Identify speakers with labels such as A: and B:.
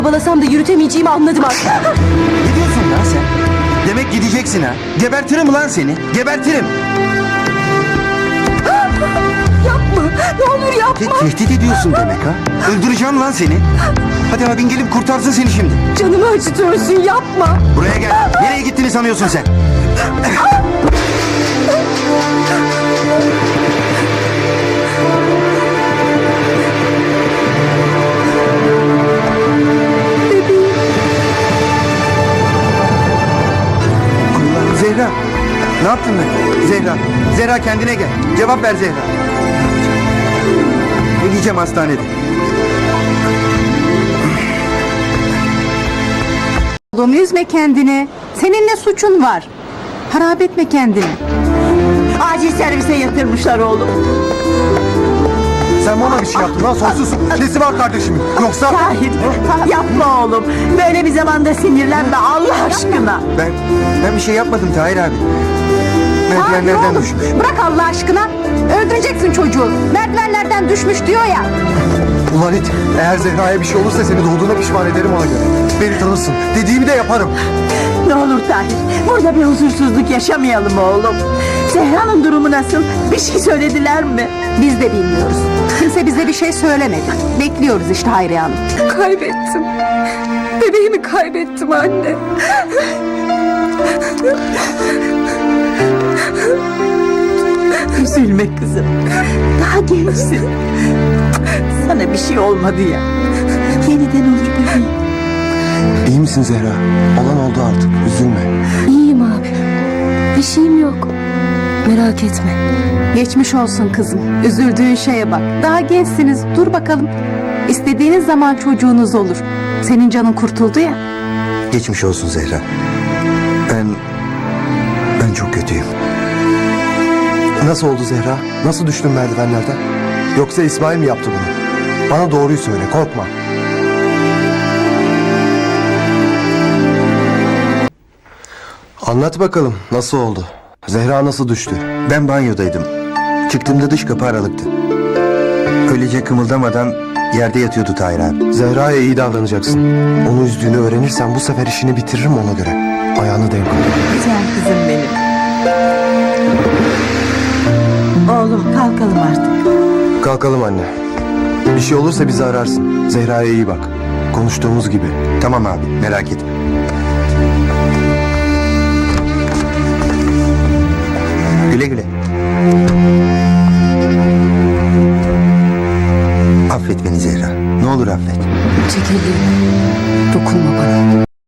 A: Balasam da yürütemeyeceğimi anladım artık.
B: Ne diyorsun lan sen? Demek gideceksin ha. Gebertirim lan seni. Gebertirim.
A: Yapma. Ne olur yapma.
B: Tehdit ediyorsun demek ha. Öldüreceğim lan seni. Hadi abin gelip kurtarsın seni şimdi.
A: Canımı acıtıyorsun. Yapma.
B: Buraya gel. Nereye gittiğini sanıyorsun sen? Allah, Zehra. Ne yaptın ben? Zehra. Zehra kendine gel. Cevap ver Zehra. Ne diyeceğim hastanede?
C: Oğlum üzme kendini. Senin ne suçun var? Harap etme kendini.
D: Acil servise yatırmışlar oğlum.
B: Sen bana bir şey yaptın lan sonsuz. Nesi var kardeşimin? Yoksa...
D: Tahir, yapma oğlum. Böyle bir zamanda sinirlenme Allah aşkına.
B: Ben bir şey yapmadım Tahir abi.
C: Hayır
B: Merdivenlerden
C: oğlum,
B: düşmüş.
C: bırak Allah aşkına. Öldüreceksin çocuğu. Merdivenlerden düşmüş diyor ya.
E: Ulan it, eğer Zehra'ya bir şey olursa seni doğduğuna pişman ederim ona göre. Beni tanırsın. Dediğimi de yaparım.
D: Ne olur Tahir, burada bir huzursuzluk yaşamayalım oğlum. Zehra'nın durumu nasıl? Bir şey söylediler mi?
C: Biz de bilmiyoruz. Kimse bize bir şey söylemedi. Bekliyoruz işte Hayriye Hanım.
A: Kaybettim. Bebeğimi kaybettim anne.
D: Üzülme kızım. Daha gençsin. Sana bir şey olmadı ya. Yeniden olur bebeğim.
E: İyi misin Zehra? Olan oldu artık. Üzülme.
A: İyiyim abi. Bir şeyim yok. Merak etme.
C: Geçmiş olsun kızım. Üzüldüğün şeye bak. Daha gençsiniz. Dur bakalım. İstediğiniz zaman çocuğunuz olur. Senin canın kurtuldu ya.
B: Geçmiş olsun Zehra. Ben çok kötüyüm.
E: Nasıl oldu Zehra? Nasıl düştün merdivenlerden? Yoksa İsmail mi yaptı bunu? Bana doğruyu söyle, korkma. Anlat bakalım, nasıl oldu? Zehra nasıl düştü?
B: Ben banyodaydım. Çıktığımda dış kapı aralıktı. Öylece kımıldamadan yerde yatıyordu Tahir abi.
E: Zehra'ya iyi davranacaksın. Onu üzdüğünü öğrenirsen bu sefer işini bitiririm ona göre. Ayağını denk al.
D: Güzel kızım benim. Oğlum kalkalım artık.
E: Kalkalım anne. Bir şey olursa bizi ararsın. Zehra'ya iyi bak. Konuştuğumuz gibi.
B: Tamam abi, merak etme. Güle güle. Affet beni Zehra. Ne olur affet.
A: Çekildim.